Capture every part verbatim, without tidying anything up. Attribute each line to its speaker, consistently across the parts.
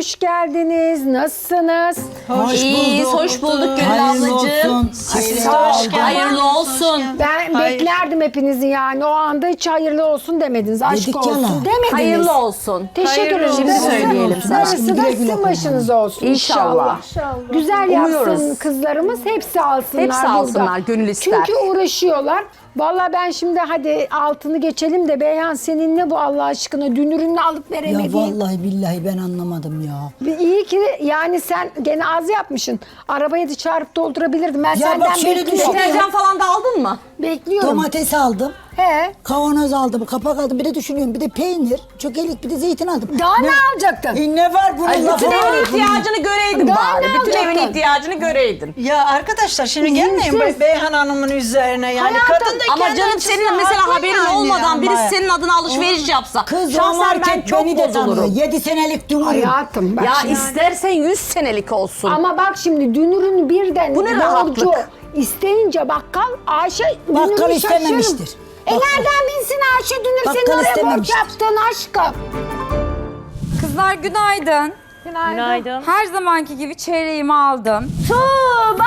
Speaker 1: hoş geldiniz. Nasılsınız?
Speaker 2: Hoş
Speaker 3: İyiyiz,
Speaker 2: bulduk.
Speaker 3: hoş bulduk Gönül
Speaker 2: Hayırlı
Speaker 3: ablacığım.
Speaker 2: olsun.
Speaker 3: Hoş geldin. Hayırlı olsun.
Speaker 1: Ben beklerdim hepinizi yani. O anda hiç hayırlı olsun demediniz. Aşk
Speaker 2: Dedik
Speaker 1: olsun
Speaker 2: yalan.
Speaker 1: demediniz.
Speaker 3: Hayırlı olsun.
Speaker 1: Teşekkür ederim.
Speaker 3: Şimdi
Speaker 1: Darısı-
Speaker 3: söyleyelim sana.
Speaker 1: Darısı da
Speaker 2: Güle güle
Speaker 1: sizin
Speaker 2: kullanın.
Speaker 1: başınıza olsun inşallah.
Speaker 3: İnşallah.
Speaker 1: Güzel yapsın
Speaker 3: Umuyoruz.
Speaker 1: kızlarımız. Hepsi alsınlar
Speaker 3: Hepsi
Speaker 1: burada.
Speaker 3: alsınlar, gönül ister.
Speaker 1: Çünkü uğraşıyorlar. Vallahi ben şimdi hadi altını geçelim de Beyhan senin ne bu Allah aşkına dünürünü alıp
Speaker 2: Ya
Speaker 1: veremediğin.
Speaker 2: vallahi billahi ben anlamadım ya.
Speaker 1: İyi ki yani sen gene az yapmışsın. Arabayı da çağırıp doldurabilirdim. Ben
Speaker 2: Ya
Speaker 1: senden
Speaker 2: bak şöyle
Speaker 1: bekliyorum.
Speaker 2: düşün.
Speaker 3: Deterjan falan da aldın mı?
Speaker 1: Bekliyorum.
Speaker 2: Domates aldım.
Speaker 1: He.
Speaker 2: Kavanoz aldım, kapak aldım. Bir de düşünüyorum. Bir de peynir, çökelik, bir de zeytin aldım.
Speaker 1: Daha ne, alacaktın?
Speaker 2: E ne var bunun
Speaker 3: Ay,
Speaker 2: lafı
Speaker 3: bütün
Speaker 2: var?
Speaker 3: evin ihtiyacını göreydin
Speaker 1: Daha
Speaker 3: bari.
Speaker 1: ne
Speaker 3: Bütün evin
Speaker 1: alacaktın?
Speaker 3: ihtiyacını göreydin.
Speaker 4: Ya arkadaşlar şimdi gelmeyin
Speaker 1: İzinsiz.
Speaker 4: Beyhan Hanım'ın üzerine yani
Speaker 1: Hayatım,
Speaker 4: kadın da
Speaker 3: Ama
Speaker 4: kendi
Speaker 3: canım
Speaker 4: açısından
Speaker 3: senin mesela
Speaker 4: haklı
Speaker 3: haberin
Speaker 4: yani
Speaker 3: olmadan
Speaker 4: ama.
Speaker 3: birisi senin adına alışveriş yapsa.
Speaker 2: Kız o
Speaker 3: şahsen ben
Speaker 2: market
Speaker 3: çok
Speaker 2: beni de tanıyor.
Speaker 3: bozulurum.
Speaker 2: Yedi senelik dumurum.
Speaker 1: Hayatım bak
Speaker 3: Ya
Speaker 1: şimdi.
Speaker 3: istersen yüz senelik olsun.
Speaker 1: Ama bak şimdi dünürün birden
Speaker 3: Bu ne
Speaker 1: borcu
Speaker 3: rahatlık?
Speaker 1: isteyince bakkal Ayşe
Speaker 2: Bakkal
Speaker 1: dünürü
Speaker 2: istememiştir.
Speaker 1: şaşırır. E
Speaker 2: Bakkal.
Speaker 1: nereden bilsin Ayşe dünür
Speaker 2: Bakkal
Speaker 1: senin oraya borç
Speaker 2: istememiştir.
Speaker 1: yaptın aşkım.
Speaker 5: Kızlar günaydın.
Speaker 6: Günaydın.
Speaker 5: Her zamanki gibi çeyreğimi aldım.
Speaker 3: Tuğba!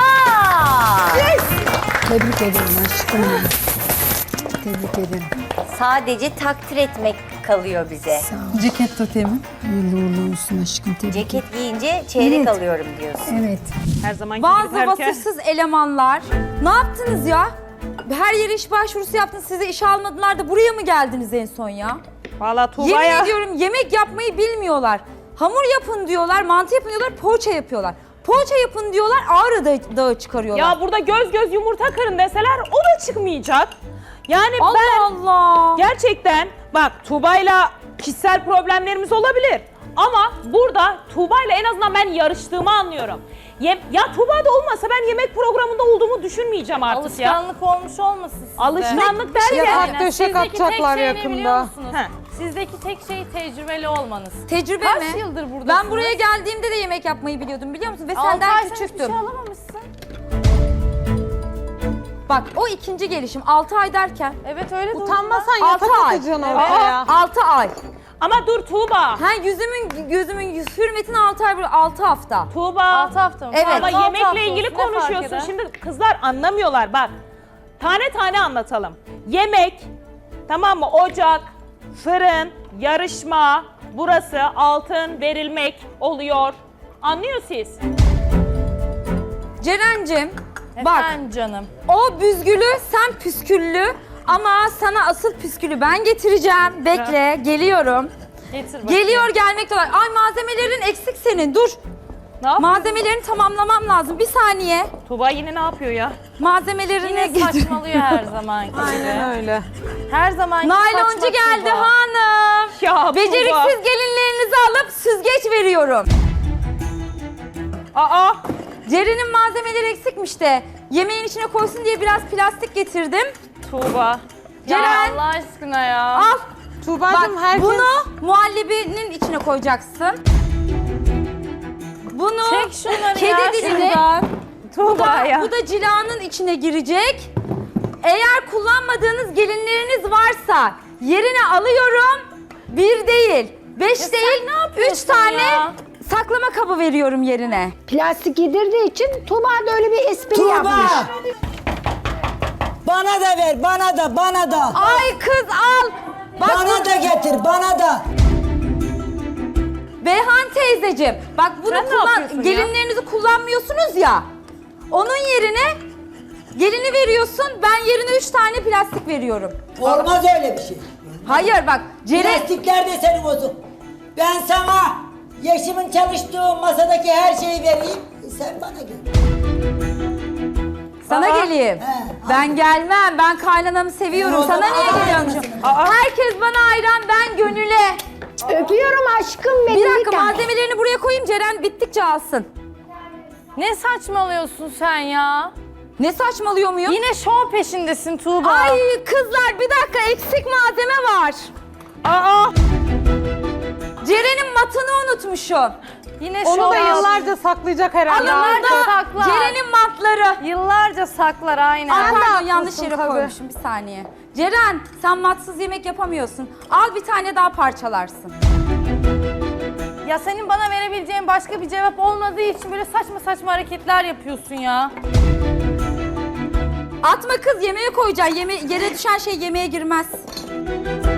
Speaker 1: Tebrik ederim aşkım. Tebrik ederim.
Speaker 7: Sadece takdir etmek kalıyor bize.
Speaker 5: Ceket totemi.
Speaker 1: Hayırlı uğurlu olsun aşkım. Tebrik ederim.
Speaker 7: Ceket giyince çeyrek
Speaker 1: Evet.
Speaker 7: alıyorum diyorsun.
Speaker 1: Evet.
Speaker 6: Her zamanki
Speaker 5: Bazı
Speaker 6: gibi herkes.
Speaker 5: vasıfsız elemanlar. Ne yaptınız ya? Her yere iş başvurusu yaptınız. Sizi işe almadılar da buraya mı geldiniz en son ya?
Speaker 6: Valla
Speaker 5: Yemin
Speaker 6: Tuğba'ya
Speaker 5: ediyorum yemek yapmayı bilmiyorlar. Hamur yapın diyorlar, mantı yapın diyorlar, poğaça yapıyorlar. Poğaça yapın diyorlar, Ağrı Dağı, dağı çıkarıyorlar.
Speaker 6: ya burada göz göz yumurta kırın deseler o da çıkmayacak. Yani
Speaker 5: Allah
Speaker 6: ben
Speaker 5: Allah.
Speaker 6: gerçekten bak Tuğba'yla kişisel problemlerimiz olabilir. Ama burada Tuğba'yla en azından ben yarıştığımı anlıyorum. Yem ya Tuğba'da olmasa ben yemek programında olduğumu düşünmeyeceğim artık ya.
Speaker 8: Alışkanlık olmuş olmasın sizde?
Speaker 6: Alışkanlık derken.
Speaker 8: Yani sizdeki atacaklar yakında.
Speaker 6: He.
Speaker 8: Sizdeki tek şey tecrübeli olmanız.
Speaker 5: Tecrübe
Speaker 8: Kaç
Speaker 5: mi?
Speaker 8: yıldır buradasınız?
Speaker 5: Ben buraya geldiğimde de yemek yapmayı biliyordum biliyor musun? Ve
Speaker 8: Altı ay
Speaker 5: senden
Speaker 8: sen hiçbir
Speaker 5: küçüktüm.
Speaker 8: şey alamamışsın.
Speaker 5: Bak o ikinci gelişim altı ay derken.
Speaker 8: Evet öyle de
Speaker 5: Utanmasan altı ay.
Speaker 8: oraya.
Speaker 5: altı ay.
Speaker 6: Ama dur Tuğba.
Speaker 5: Ha yüzümün gözümün hürmetine altı ay altı hafta.
Speaker 6: Tuğba.
Speaker 8: altı hafta mı?
Speaker 5: Evet.
Speaker 6: Ama
Speaker 8: Altı hafta
Speaker 6: yemekle ilgili
Speaker 8: olsun, ne fark
Speaker 6: konuşuyorsun.
Speaker 8: eder?
Speaker 6: Şimdi kızlar anlamıyorlar bak. Tane tane anlatalım. Yemek, tamam mı? Ocak, fırın, yarışma, burası altın verilmek oluyor. Anlıyor siz?
Speaker 5: Ceren'cim bak
Speaker 8: Efendim canım.
Speaker 5: o büzgülü sen püsküllü ama sana asıl püskülü ben getireceğim. Bekle geliyorum.
Speaker 8: Getir bakayım.
Speaker 5: Geliyor gelmekte var. Ay malzemelerin eksik senin dur.
Speaker 6: Ne yapıyor?
Speaker 5: Malzemelerini tamamlamam lazım. Bir saniye.
Speaker 6: Tuğba yine ne yapıyor ya?
Speaker 5: Malzemelerini
Speaker 8: Yine
Speaker 5: getir.
Speaker 8: saçmalıyor her zamanki gibi.
Speaker 4: Aynen öyle.
Speaker 8: Her zamanki
Speaker 5: Nayloncu
Speaker 8: saçma
Speaker 5: geldi
Speaker 8: Tuğba.
Speaker 5: hanım.
Speaker 6: Ya
Speaker 5: Beceriksiz gelinlerinizi alıp süzgeç veriyorum.
Speaker 6: Tuğba. Aa,
Speaker 5: Ceren'in malzemeleri eksikmiş de yemeğin içine koysun diye biraz plastik getirdim.
Speaker 6: Tuğba.
Speaker 8: Ya
Speaker 5: Ceren
Speaker 8: Allah aşkına ya.
Speaker 5: al.
Speaker 4: Tuğba'cığım
Speaker 5: Bak bunu muhallebinin içine koyacaksın. Bunu
Speaker 8: Çek şunları
Speaker 5: kedi
Speaker 8: ya
Speaker 5: diline,
Speaker 8: şuradan.
Speaker 5: bu
Speaker 6: Tuğba
Speaker 5: da,
Speaker 6: ya.
Speaker 5: bu da cilanın içine girecek. Eğer kullanmadığınız gelinleriniz varsa yerine alıyorum. Bir değil, beş
Speaker 8: sen
Speaker 5: değil,
Speaker 8: ne yapıyorsun
Speaker 5: üç tane
Speaker 8: ya?
Speaker 5: saklama kabı veriyorum yerine.
Speaker 1: Plastik yedirdiği için Tuğba da öyle bir espri
Speaker 2: Tuğba!
Speaker 1: yapmış.
Speaker 2: Bana da ver, bana da, bana da.
Speaker 5: Ay kız al. Bak
Speaker 2: Bana
Speaker 5: bu-
Speaker 2: da getir, bana da.
Speaker 5: Beyhan teyzeciğim, bak bunu
Speaker 6: Sen ne
Speaker 5: kullan,
Speaker 6: yapıyorsun ya?
Speaker 5: gelinlerinizi kullanmıyorsunuz ya. Onun yerine gelini veriyorsun, ben yerine üç tane plastik veriyorum.
Speaker 2: Olmaz öyle bir şey.
Speaker 5: Hayır bak, Ceren...
Speaker 2: Plastikler de senin olsun. Ben sana Yeşim'in çalıştığı masadaki her şeyi vereyim. Sen bana gel.
Speaker 5: Sana
Speaker 6: Aa.
Speaker 5: geleyim.
Speaker 2: He,
Speaker 5: Ben gelmem, ben kaynanamı seviyorum.
Speaker 2: E, o
Speaker 5: Sana
Speaker 2: zaman
Speaker 5: niye
Speaker 2: al
Speaker 5: geliyormuşum?
Speaker 2: aynısını.
Speaker 5: Herkes bana hayran, ben gönüle.
Speaker 1: Öpüyorum aşkım benim.
Speaker 5: Bir dakika
Speaker 1: tane.
Speaker 5: malzemelerini buraya koyayım, Ceren bittikçe alsın.
Speaker 8: Ne saçmalıyorsun sen ya?
Speaker 5: Ne saçmalıyor muyum?
Speaker 8: Yine şov peşindesin Tuğba.
Speaker 5: Ay kızlar bir dakika eksik malzeme var.
Speaker 6: Aa,
Speaker 5: Ceren'in matını unutmuşum.
Speaker 8: Yine
Speaker 4: Onu
Speaker 8: şov
Speaker 4: da
Speaker 8: yaptın.
Speaker 4: yıllarca saklayacak herhalde.
Speaker 8: Yıllarca
Speaker 5: Burada
Speaker 8: saklar.
Speaker 5: Ceren'in matları.
Speaker 8: Yıllarca saklar aynen.
Speaker 5: Ay pardon
Speaker 4: haklısın
Speaker 5: yanlış yere
Speaker 4: tabii.
Speaker 5: koymuşum bir saniye. Ceren sen matsız yemek yapamıyorsun. Al bir tane daha parçalarsın.
Speaker 8: Ya senin bana verebileceğin başka bir cevap olmadığı için böyle saçma saçma hareketler yapıyorsun ya.
Speaker 5: Atma kız, yemeğe koyacaksın. Yeme yere düşen şey yemeğe girmez.